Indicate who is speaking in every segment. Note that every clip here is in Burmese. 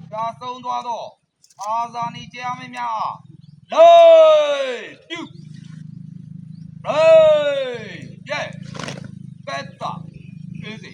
Speaker 1: ရာဆုံးသွားတော့အာဇာနည်ကြားမင်းများလေးပြုလေးရဲ့ကဲတာအေးစီ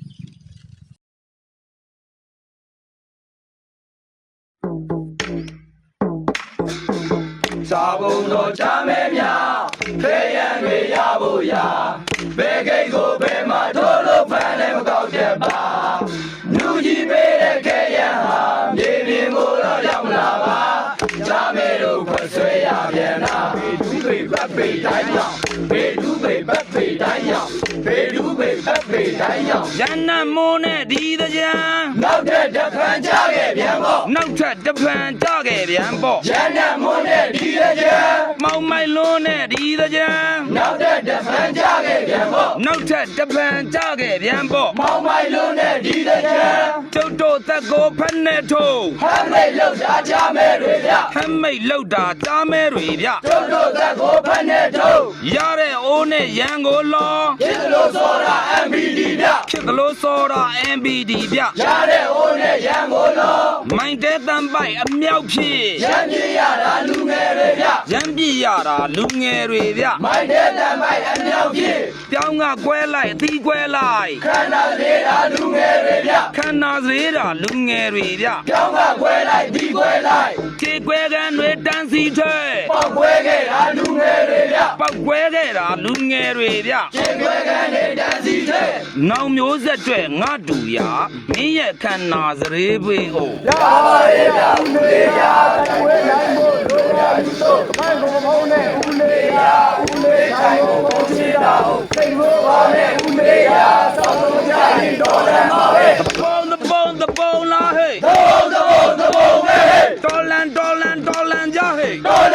Speaker 2: စာပုံတော်ချမဲများဖေးရန်တွေရဖို့ရာဘယ်ကိတ်ကိုဘယ်မှာထိုးလို့ဖန်လည်းမကောက်ချက်ပါလူကြီးပေးတဲ့ခဲရန်ဟာမြေပြင်ကိုတော့ရောက်လာပါချမဲတို့ခွဆွဲရပြန်လာဘေဒူးပေပတ်ပေတိုင်းရောက်ဘေဒူးပေပတ်ပေတိုင်းရောက်ဘေဒူးပေပတ်ပေတိုင်းရောက်
Speaker 3: ရန်နမိုးနဲ့ဒီတကြံ
Speaker 2: နောက်ထပ်တစ်ဖန်ကြခဲ့ပြန်ပေါ့
Speaker 3: နောက်ထပ်တစ်ဖန်ကြခဲ့ပြန်ပေါ့
Speaker 2: ရန်နမိုးနဲ့ဒီတကြံ
Speaker 3: မောင်မိုင်လွန်းနဲ့ဒီတကြံ
Speaker 2: နောက်ထပ်တစ်ဖန်ကြခဲ့ပြန်ပေါ့
Speaker 3: နောက်ထပ်တစ်ဖန်ကြခဲ့ပြန်ပေါ့
Speaker 2: မောင်မိုင်လွန်းနဲ့ဒီတကြံ
Speaker 3: ကျုပ်တို့သက်ကိုဖက်နဲ့ထိုး
Speaker 2: ဟမ်းမိတ်လောက်တာချမဲတွေဗျ
Speaker 3: ဟမ်းမိတ်လောက်တာကြားမဲတွေဗျ
Speaker 2: ကျုပ်တို့သက်ကိုဖက်နဲ့ထိုး
Speaker 3: ရတဲ့အိုးနဲ့ရန်ကိုလော
Speaker 2: ဖြစ်လို့စောတာ MBD ဗျ
Speaker 3: ဖြစ်လို့စောတာ MBD ဗျ
Speaker 2: ရတဲ့အိုးနဲ့ရန်ကိုလော
Speaker 3: မိုင်းတဲ့တန်ပိုက်အမြောက်ဖြစ်
Speaker 2: ရန်ပြရတာလူငယ်တွေဗျ
Speaker 3: ရန်ပြရတာလူငယ်တွေဗျ
Speaker 2: မိုင်းတဲ့တန်ပိုက်အမြောက်ဖြစ်
Speaker 3: ပြောင်းကကွဲလိုက်အသီးကွဲလိုက်
Speaker 2: ခန္ဓာသေးတာလူငယ်တွေဗျ
Speaker 3: ခန္ဓာသေးတာလူငယ်တွေဗျ
Speaker 2: ပြောင်းကကွဲလိုက်ဒီကွဲလိုက်
Speaker 3: ခြေကွဲကန်တွေတန်းစီထဲ
Speaker 2: ပေါက်ကွဲခဲ့တာလူငယ်တွေဗျ
Speaker 3: ပေါက်ကွဲခဲ့တာလူငယ်တွေဗျ
Speaker 2: ခြေကွဲကန်တွေတန်းစီထဲ
Speaker 3: နောင်မျိုးဆက်တွေငါတူရမင်းရဲ့ခန္ဓာစရေးပေအို
Speaker 2: ရပါရဲ့ဗျဦးလေးရကွဲနိုင်ဖို့လိုရာယူတော့မိုင်းကိုမုန်းနဲ့ဦးလေးရဦးလေးတိုင်းကိုပုံချတာဟုတ်စိတ်လို့ပါနဲ့ဦးလေးရစောင့်လို့ကြရင်တော်တယ်မှာပဲ
Speaker 3: the bone la hey
Speaker 2: the bone hey
Speaker 3: dollar ja hey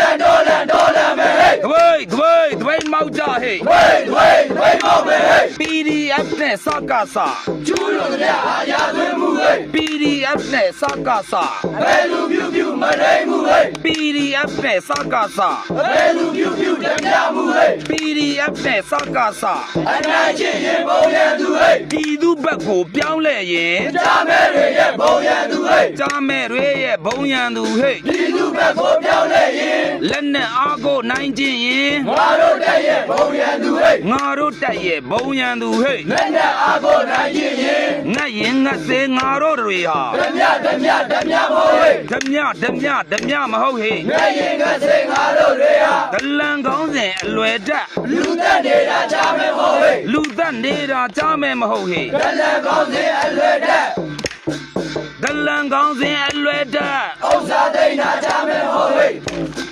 Speaker 2: dollar me hey
Speaker 3: dway mau ja hey
Speaker 2: dway mau me hey
Speaker 3: PDF နဲ့စကားစာ
Speaker 2: ကျူးလို့ကြအာရသွင်းမှု hey
Speaker 3: PDF နဲ့စကားစာ
Speaker 2: ဘယ်လူပြုမနိုင်မှု hey
Speaker 3: PDF နဲ့စကားစာ
Speaker 2: ဘယ်လူပြုတပြမှု hey
Speaker 3: PDF နဲ့စကားစာ
Speaker 2: အနာချင်းရင်ပုံရန်သူ hey
Speaker 3: ဒီသူဘက်ကိုပြောင်းလဲရင်
Speaker 2: ကြားမဲတွေရဲ့ဘုံရန်သူ hey
Speaker 3: ကြားမဲတွေရဲ့ဘုံရန်သူ hey
Speaker 2: ဒီသူဘက်ကိုပြောင်းလဲရင်
Speaker 3: လက်နဲ့အားကိုနိုင်ခြင်းရင်
Speaker 2: ငါတို့တက်ရဲ့ဘုံရန်သူ hey
Speaker 3: ငါတို့တက်ရဲ့ဘုံရန်သူ hey
Speaker 2: လက်နဲ့အားကိုနိုင်ခြင်းရင်
Speaker 3: ငတ်ရင်ငတ်စေငါတို့တွေဟာ
Speaker 2: ဓမြမဟုတ် hey
Speaker 3: ဓမြမဟုတ် hey
Speaker 2: ငတ်ရင်ငတ်စေငါတို့တွေဟာ
Speaker 3: ဒလန်ကောင်းစဉ်အလွယ်တက်
Speaker 2: လူသက်နေတာကြားမဲမဟုတ် hey
Speaker 3: လူသက်နေတာကြားမဲမဟုတ် hey
Speaker 2: ဒလန်ကောင်းစဉ်အလွယ်တက်
Speaker 3: ဒလန်ကောင်းစဉ်အလွယ်တက်
Speaker 2: ဥစ္စာသိနေတာကြားမဲမဟုတ် hey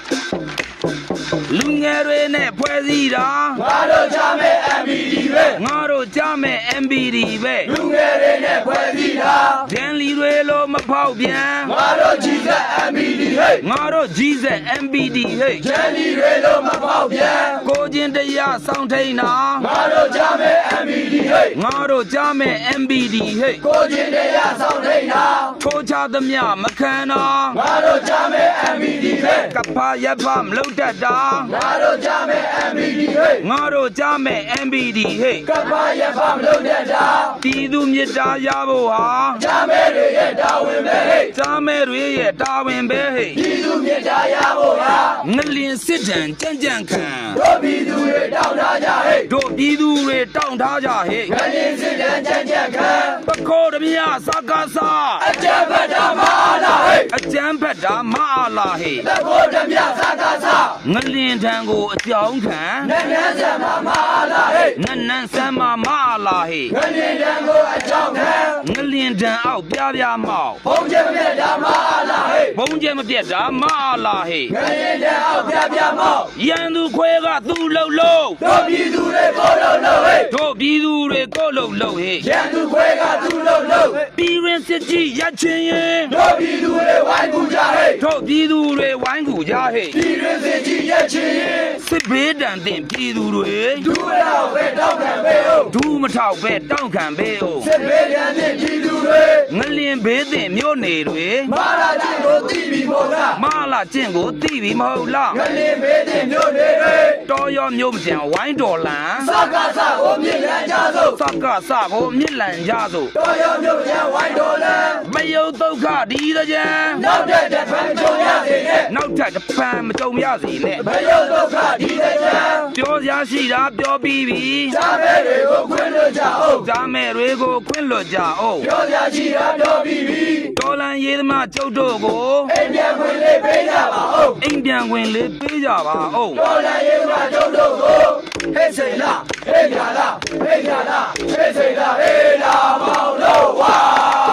Speaker 3: လူငယ်တွေနဲ့ဖွဲ့စည်းတာ
Speaker 2: ငါတို့ကြားမဲ MBD ပဲ
Speaker 3: ငါတို့ကြားမဲ MBD ပဲ
Speaker 2: လူငယ်တွေနဲ့ဖွဲ့စည်းတာ
Speaker 3: ဒန်လီတွေလိုမဖောက်ပြန်
Speaker 2: ငါတို့ကြီးစက် MBD ဟဲ့
Speaker 3: ငါတို့ကြီးစက် MBD ဟဲ့
Speaker 2: ဒန်လီတွေလိုမဖောက်ပြန်
Speaker 3: ကိုချင်းတရားစောင့်ထိန်တာ
Speaker 2: ငါတို့ကြားမဲ MBD ဟဲ့
Speaker 3: ငါတို့ကြားမဲ MBD ဟဲ့
Speaker 2: ကိုချင်းတရားစောင့်ထိန်တာ
Speaker 3: ထိုးချသမျှမခံတာ
Speaker 2: ငါတို့ကြားမဲ MBD ဟဲ့
Speaker 3: ကဖာရပ်ဖမလုပ်တတ်တာ
Speaker 2: ငါတို့ကြားမဲ MBD ဟဲ့
Speaker 3: ငါတို့ကြားမဲ MBD ဟဲ့
Speaker 2: ကပ္ပရဖမလုပ်တတ်တာ
Speaker 3: ပြည်သူမြစ်တာရဖို့ဟာ
Speaker 2: ကြားမဲတွေရဲ့တာဝန်ပဲဟဲ့
Speaker 3: ကြားမဲတွေရဲ့တာဝန်ပဲဟဲ့
Speaker 2: ပြည်သူမြစ်တာရဖို့ဟာ
Speaker 3: ငလင်စစ်တမ်းကြံ့ခံ
Speaker 2: တို့ပြည်သူတွေတောင်းထားကြဟဲ့
Speaker 3: တို့ပြည်သူတွေတောင်းထားကြဟဲ့
Speaker 2: ငလင်စစ်တမ်းကြံ့ခံ
Speaker 3: ပခိုးဓမြစကားစာ
Speaker 2: အကြံဖတ်တာမအားလားဟဲ့
Speaker 3: အကြံဖတ်တာမအားလားဟဲ့
Speaker 2: ပခိုးဓမြစကားစာ
Speaker 3: ငလင်ထံကိုအကြောင်းခံ
Speaker 2: နန်းဆမ်းမအားလားဟဲ့
Speaker 3: နန်းဆမ်းမအားလားဟဲ့
Speaker 2: ငလင်ထံကိုအကြောင်းခံ
Speaker 3: ငလင်ထံအောက်ပြမောက်
Speaker 2: ဘုံကျမပြတ်တာမအားလားဟဲ့
Speaker 3: ဘုံကျမပြတ်တာမအားလားဟဲ့
Speaker 2: ငလင်ထံအောက်ပြမောက်
Speaker 3: ရန်သူခွဲကသူ့လှုပ်လို့
Speaker 2: တို့ပြည်သူတွေကိုလှုပ်ဟဲ့
Speaker 3: တို့ပြည်သူတွေကိုလှုပ်ဟဲ့
Speaker 2: ရန်သူခွဲကသူ့လှုပ်
Speaker 3: ပြည်ရင်စစ်ကြီးရချင်းရင်
Speaker 2: တို့ပြည်သူတွေဝိုင်းကူကြဟဲ့
Speaker 3: တို့ပြည်သူတွေဝိုင်းကူကြဟဲ့
Speaker 2: ပြည်တွင်းစစ်ကြီးရဲ့ချီရင်
Speaker 3: စစ်ဘေးတန်တင်ပြည်သူတွေ
Speaker 2: ဒူရောက်ပဲတောက်ခံပဲဟုတ်
Speaker 3: ဒူးမထောက်ပဲတောင့်ခံပဲအို
Speaker 2: စစ်ဘေးရန်တဲ့ပြည်သူတွေ
Speaker 3: ငလင်ဘေးတင်မြို့နေတွေ
Speaker 2: မာလာကြီးကိုတီးပြီးမို့လား
Speaker 3: မလာကျင့်ကိုသိပြီမဟုတ်လား
Speaker 2: ငလင်ဘေးတဲ့မြို့တွေတွေ
Speaker 3: တော်ရောမြို့မကျန်ဝိုင်းတော်လန်
Speaker 2: စကားစကိုမြင်ရကြစို့
Speaker 3: စကစကိုမြစ်လန်ကြစို့
Speaker 2: တော်ရမြို့ရန်ဝိုင်းတော်လန်
Speaker 3: မယုတ်ဒုက္ခဒီတကြံ
Speaker 2: နောက်တဲ့တစ်ဖန်ကြုံရစေနဲ့
Speaker 3: နောက်ထပ်တစ်ပံမကြုံရစီနဲ့
Speaker 2: မယုတ်ဒုက္ခဒီတဲ့ကြံ
Speaker 3: ပြောစရာရှိတာပြောပြီးပြီ
Speaker 2: ဈာမဲတွေကိုခွင့်လွှတ်ကြအောင်
Speaker 3: ဇာမဲတွေကိုခွင့်လွတ်ကြအောင်
Speaker 2: ပြောကြရှိတာပြောပြီးပြီ
Speaker 3: တော်လန်ရေးသမားကျုပ်တို့ကို
Speaker 2: အိမ်ပြန်ခွင့်လေးပေးကြပါဦး
Speaker 3: အိမ်ပြန်ဝင်လေးပေးကြပါအောင်
Speaker 2: တော်လည်းရေးမှာကျုပ်တို့ကိုဟဲ့စိန်လားဟဲ့ညာလားဟဲ့ညာလားဟဲ့စိန်လားဟဲ့လာမောင်လို့ဝါ